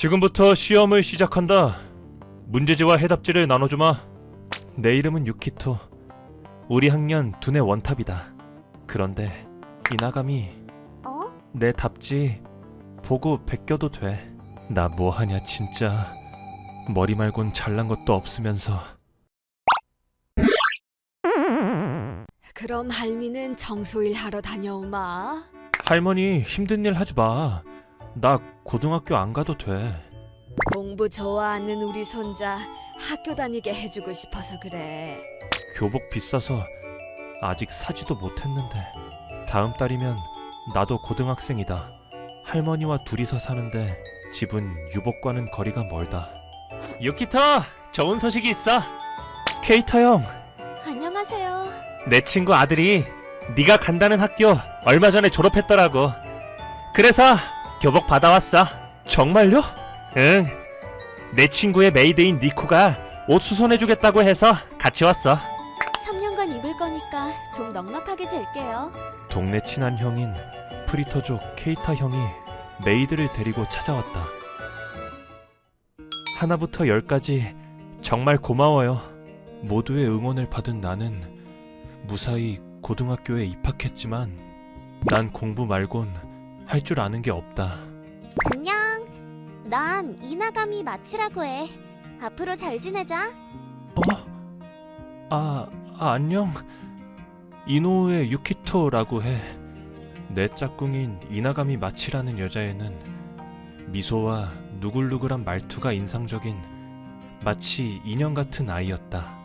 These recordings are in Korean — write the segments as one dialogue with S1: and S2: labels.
S1: 지금부터 시험을 시작한다. 문제지와 해답지를 나눠주마. 내 이름은 유키토. 우리 학년 두뇌 원탑이다. 그런데 이나감이
S2: 어?
S1: 내 답지 보고 베껴도 돼. 나 뭐하냐 진짜. 머리 말곤 잘난 것도 없으면서.
S2: 그럼 할미는 청소일 하러 다녀오마.
S1: 할머니 힘든 일 하지 마. 나 고등학교 안 가도 돼.
S2: 공부 좋아하는 우리 손자 학교 다니게 해주고 싶어서 그래.
S1: 교복 비싸서 아직 사지도 못했는데. 다음 달이면 나도 고등학생이다. 할머니와 둘이서 사는데 집은 유복과는 거리가 멀다. 유키토! 좋은 소식이 있어. 케이타 형,
S2: 안녕하세요.
S1: 내 친구 아들이 네가 간다는 학교 얼마 전에 졸업했더라고. 그래서 교복 받아왔어. 정말요? 응. 내 친구의 메이드인 니쿠가 옷 수선해주겠다고 해서 같이 왔어.
S2: 3년간 입을 거니까 좀 넉넉하게 잴게요.
S1: 동네 친한 형인 프리터족 케이타 형이 메이드를 데리고 찾아왔다. 하나부터 열까지 정말 고마워요. 모두의 응원을 받은 나는 무사히 고등학교에 입학했지만 난 공부 말곤 할 줄 아는 게 없다.
S2: 안녕. 난 이나감이 마치라고 해. 앞으로 잘 지내자.
S1: 안녕. 이노우의 유키토라고 해. 내 짝꿍인 이나가미 마치라는 여자애는 미소와 누글누글한 말투가 인상적인 마치 인형 같은 아이였다.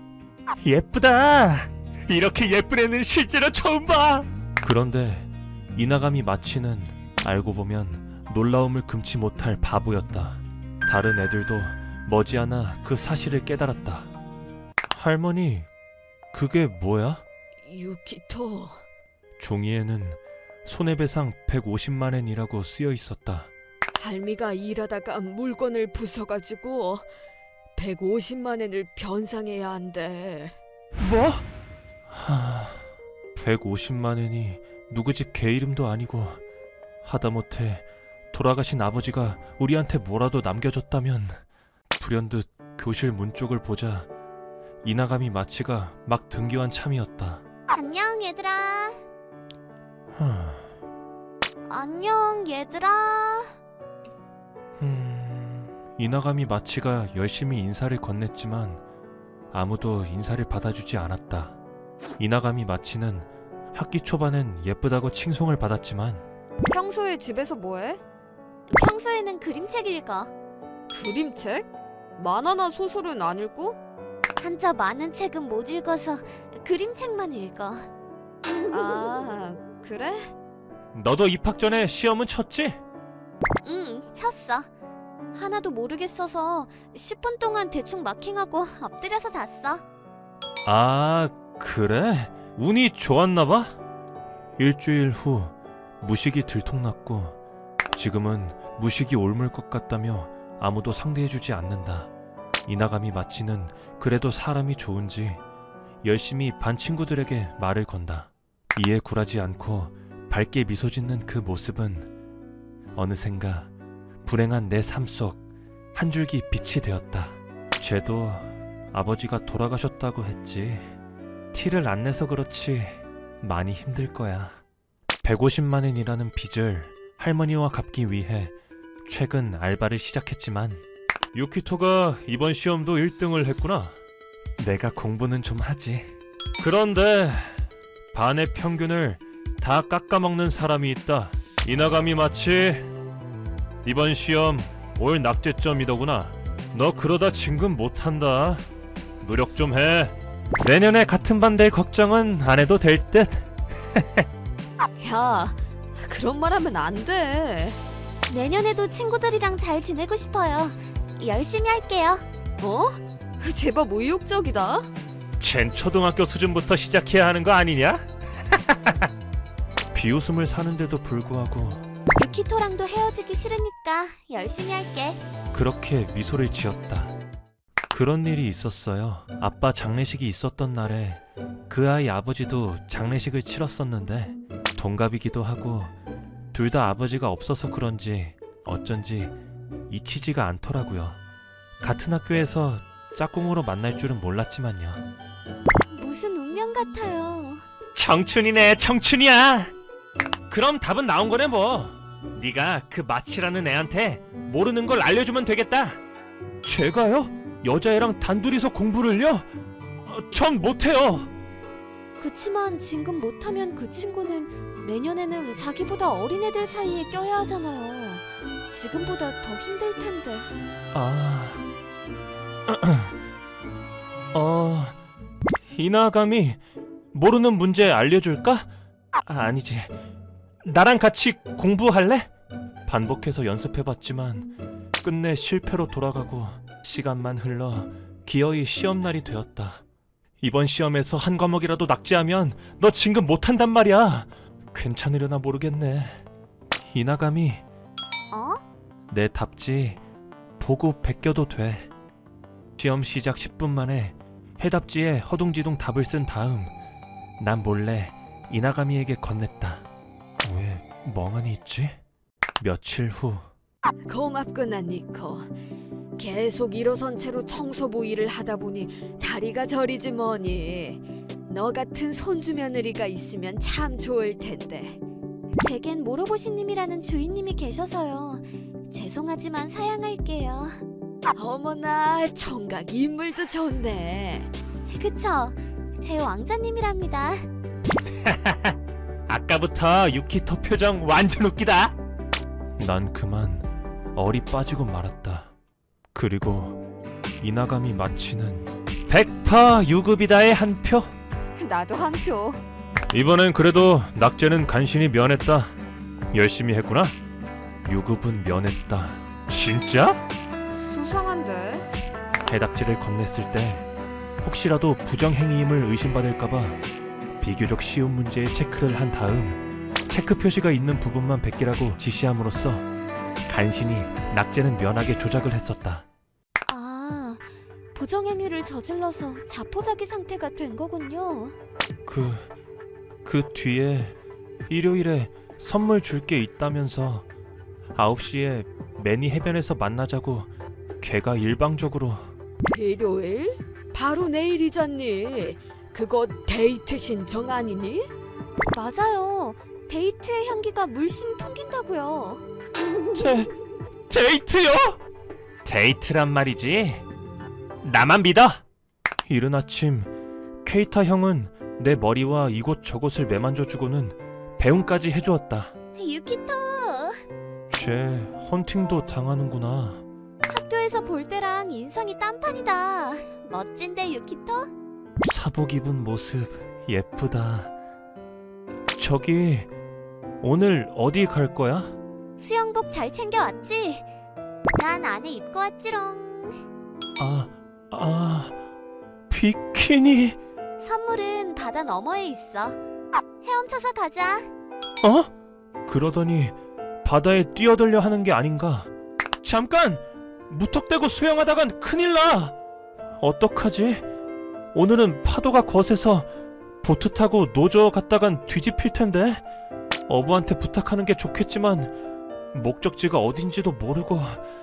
S1: 예쁘다. 이렇게 예쁜 애는 실제로 처음 봐. 그런데 이나가미 마치는 알고 보면 놀라움을 금치 못할 바보였다. 다른 애들도 머지않아 그 사실을 깨달았다. 할머니, 그게 뭐야?
S2: 유키토.
S1: 종이에는 손해배상 150만엔이라고 쓰여 있었다.
S2: 할미가 일하다가 물건을 부숴가지고 150만엔을 변상해야 한대.
S1: 뭐? 150만엔이 누구 집 개 이름도 아니고 하다못해 돌아가신 아버지가 우리한테 뭐라도 남겨줬다면. 불현듯 교실 문 쪽을 보자 이나가미 마치가 막 등교한 참이었다.
S2: 안녕 얘들아. 안녕 얘들아.
S1: 이나가미 마치가 열심히 인사를 건넸지만 아무도 인사를 받아주지 않았다. 이나가미 마치는 학기 초반엔 예쁘다고 칭송을 받았지만
S2: 평소에 집에서 뭐해? 평소에는 그림책 읽어. 그림책? 만화나 소설은 안 읽고? 한자 많은 책은 못 읽어서 그림책만 읽어. 아, 그래?
S1: 너도 입학 전에 시험은 쳤지?
S2: 응, 쳤어. 하나도 모르겠어서 10분 동안 대충 마킹하고 엎드려서 잤어.
S1: 아, 그래? 운이 좋았나봐? 일주일 후 무식이 들통났고 지금은 무식이 옮을 것 같다며 아무도 상대해주지 않는다. 이나가미 마치는 그래도 사람이 좋은지 열심히 반 친구들에게 말을 건다. 이에 굴하지 않고 밝게 미소 짓는 그 모습은 어느샌가 불행한 내 삶 속 한 줄기 빛이 되었다. 쟤도 아버지가 돌아가셨다고 했지. 티를 안 내서 그렇지 많이 힘들 거야. 150만엔이라는 빚을 할머니와 갚기 위해 최근 알바를 시작했지만 유키토가 이번 시험도 1등을 했구나. 내가 공부는 좀 하지. 그런데 반의 평균을 다 깎아먹는 사람이 있다. 이나가미 마치 이번 시험 올 낙제점이더구나. 너 그러다 진급 못한다. 노력 좀 해. 내년에 같은 반 될 걱정은 안 해도 될 듯.
S2: 야, 그런 말 하면 안 돼. 내년에도 친구들이랑 잘 지내고 싶어요. 열심히 할게요. 어? 제법 의욕적이다.
S1: 쟨 초등학교 수준부터 시작해야 하는 거 아니냐? 비웃음을 사는데도 불구하고
S2: 유키토랑도 헤어지기 싫으니까 열심히 할게.
S1: 그렇게 미소를 지었다. 그런 일이 있었어요. 아빠 장례식이 있었던 날에 그 아이 아버지도 장례식을 치렀었는데 동갑이기도 하고 둘 다 아버지가 없어서 그런지 어쩐지 잊히지가 않더라고요. 같은 학교에서 짝꿍으로 만날 줄은 몰랐지만요.
S2: 무슨 운명 같아요.
S1: 청춘이네, 청춘이야. 그럼 답은 나온 거네 뭐. 네가 그 마치라는 애한테 모르는 걸 알려주면 되겠다. 제가요? 여자애랑 단둘이서 공부를요? 전 못해요.
S2: 그치만 지금 못하면 그 친구는 내년에는 자기보다 어린 애들 사이에 껴야 하잖아요. 지금보다 더 힘들 텐데.
S1: 이나감이 모르는 문제 알려줄까? 아니지. 나랑 같이 공부할래? 반복해서 연습해봤지만 끝내 실패로 돌아가고 시간만 흘러 기어이 시험날이 되었다. 이번 시험에서 한 과목이라도 낙제하면 너 진급 못한단 말이야. 괜찮으려나 모르겠네. 이나감이
S2: 어?
S1: 내 답지 보고 베껴도 돼. 시험 시작 10분 만에 해답지에 허둥지둥 답을 쓴 다음 난 몰래 이나가미에게 건넸다. 왜 멍하니 있지? 며칠 후
S2: 고맙구나 니코. 계속 일어선 채로 청소부 일을 하다 보니 다리가 저리지 뭐니. 너 같은 손주 며느리가 있으면 참 좋을 텐데. 제겐 모로보시님이라는 주인님이 계셔서요. 죄송하지만 사양할게요. 어머나, 총각 인물도 좋네. 그쵸? 제 왕자님이랍니다.
S1: 아까부터 유키토 표정 완전 웃기다. 난 그만 얼이 빠지고 말았다. 그리고 이나감이 마치는 100% 유급이다의 한 표.
S2: 나도 한 표.
S1: 이번엔 그래도 낙제는 간신히 면했다. 열심히 했구나. 유급은 면했다. 진짜?
S2: 수상한데?
S1: 해답지를 건넸을 때 혹시라도 부정행위임을 의심받을까봐 비교적 쉬운 문제에 체크를 한 다음 체크 표시가 있는 부분만 베끼라고 지시함으로써 간신히 낙제는 면하게 조작을 했었다.
S2: 아, 부정행위를 저질러서 자포자기 상태가 된 거군요.
S1: 그 뒤에 일요일에 선물 줄 게 있다면서 9시에 매니 해변에서 만나자고 걔가 일방적으로.
S2: 일요일? 바로 내일이잖니. 그거 데이트 신청 아니니? 맞아요. 데이트의 향기가 물씬 풍긴다고요.
S1: 데이트요? 데이트란 말이지. 나만 믿어. 이른 아침 케이타 형은 내 머리와 이곳저곳을 매만져주고는 배웅까지 해주었다.
S2: 유키토,
S1: 쟤 헌팅도 당하는구나.
S2: 학교에서 볼 때랑 인상이 딴판이다. 멋진데 유키토?
S1: 사복 입은 모습 예쁘다. 저기 오늘 어디 갈 거야?
S2: 수영복 잘 챙겨왔지? 난 안에 입고 왔지롱.
S1: 비키니.
S2: 선물은 바다 너머에 있어. 헤엄쳐서 가자.
S1: 그러더니 바다에 뛰어들려 하는 게 아닌가. 잠깐! 무턱대고 수영하다간 큰일 나! 어떡하지? 오늘은 파도가 거세서 보트 타고 노저 갔다간 뒤집힐 텐데. 어부한테 부탁하는 게 좋겠지만 목적지가 어딘지도 모르고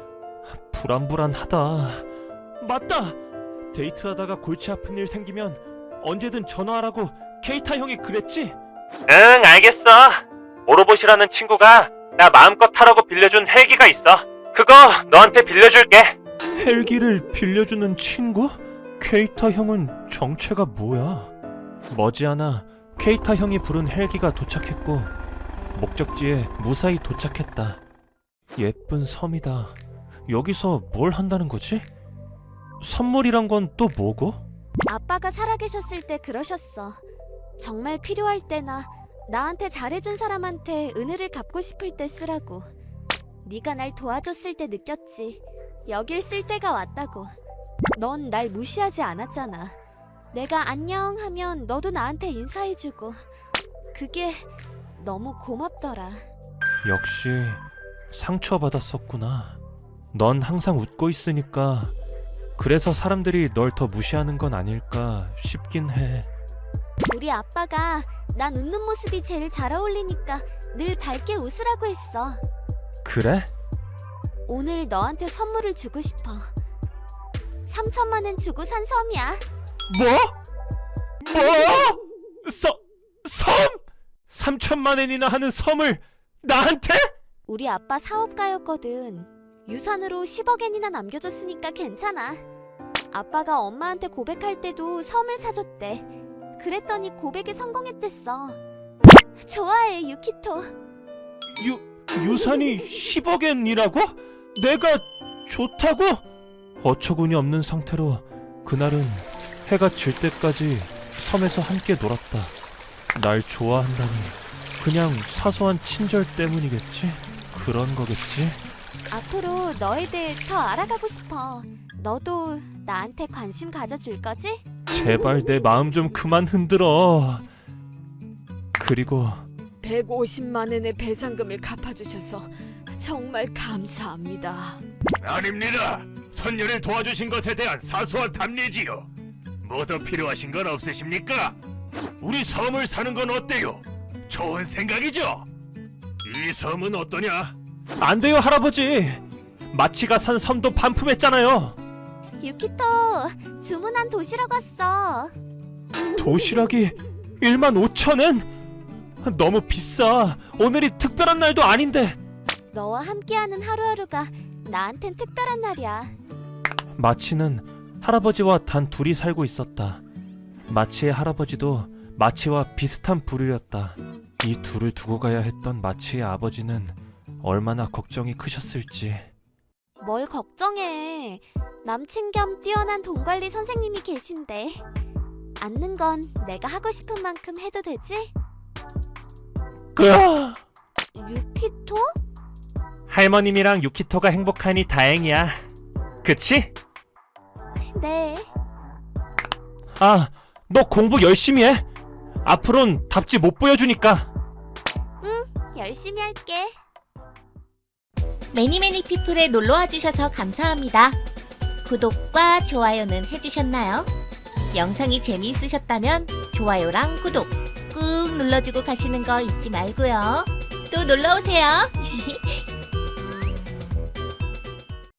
S1: 불안불안하다. 맞다! 데이트하다가 골치 아픈 일 생기면 언제든 전화하라고 케이타 형이 그랬지? 응, 알겠어. 모로보시라는 친구가 나 마음껏 타라고 빌려준 헬기가 있어. 그거 너한테 빌려줄게. 헬기를 빌려주는 친구? 케이타 형은 정체가 뭐야? 머지않아 케이타 형이 부른 헬기가 도착했고 목적지에 무사히 도착했다. 예쁜 섬이다. 여기서 뭘 한다는 거지? 선물이란 건 또 뭐고?
S2: 아빠가 살아계셨을 때 그러셨어. 정말 필요할 때나 나한테 잘해준 사람한테 은혜를 갚고 싶을 때 쓰라고. 네가 날 도와줬을 때 느꼈지. 여길 쓸 때가 왔다고. 넌 날 무시하지 않았잖아. 내가 안녕 하면 너도 나한테 인사해주고. 그게 너무 고맙더라.
S1: 역시 상처받았었구나. 넌 항상 웃고 있으니까 그래서 사람들이 널 더 무시하는 건 아닐까 싶긴 해.
S2: 우리 아빠가 난 웃는 모습이 제일 잘 어울리니까 늘 밝게 웃으라고 했어.
S1: 그래?
S2: 오늘 너한테 선물을 주고 싶어. 3천만 원 주고 산 섬이야.
S1: 뭐? 섬? 3천만 엔이나 하는 섬을 나한테?
S2: 우리 아빠 사업가였거든. 유산으로 10억 엔이나 남겨줬으니까 괜찮아. 아빠가 엄마한테 고백할 때도 섬을 사줬대. 그랬더니 고백에 성공했댔어. 좋아해, 유키토.
S1: 유산이 10억 엔이라고? 내가 좋다고? 어처구니 없는 상태로 그날은 해가 질 때까지 섬에서 함께 놀았다. 날 좋아한다니 그냥 사소한 친절 때문이겠지? 그런 거겠지?
S2: 앞으로 너에 대해 더 알아가고 싶어. 너도 나한테 관심 가져줄 거지?
S1: 제발 내 마음 좀 그만 흔들어. 그리고
S2: 150만 원의 배상금을 갚아주셔서 정말 감사합니다.
S3: 아닙니다. 선녀를 도와주신 것에 대한 사소한 답례지요. 뭐 더 필요하신 건 없으십니까? 우리 섬을 사는 건 어때요? 좋은 생각이죠? 이 섬은 어떠냐?
S1: 안 돼요, 할아버지. 마치가 산 섬도 반품했잖아요.
S2: 유키토, 주문한 도시락 왔어.
S1: 도시락이 15,000엔? 너무 비싸. 오늘이 특별한 날도 아닌데.
S2: 너와 함께하는 하루하루가 나한텐 특별한 날이야.
S1: 마치는 할아버지와 단 둘이 살고 있었다. 마치의 할아버지도 마치와 비슷한 부류였다. 이 둘을 두고 가야 했던 마치의 아버지는 얼마나 걱정이 크셨을지.
S2: 뭘 걱정해. 남친 겸 뛰어난 돈 관리 선생님이 계신데. 앉는 건 내가 하고 싶은 만큼 해도 되지?
S1: 으아!
S2: 유키토?
S1: 할머님이랑 유키토가 행복하니 다행이야. 그치?
S2: 네.
S1: 아, 너 공부 열심히 해. 앞으론 답지 못 보여주니까.
S2: 열심히 할게.
S4: 매니매니 피플에 놀러와 주셔서 감사합니다. 구독과 좋아요는 해주셨나요? 영상이 재미있으셨다면 좋아요랑 구독 꾹 눌러주고 가시는 거 잊지 말고요. 또 놀러오세요.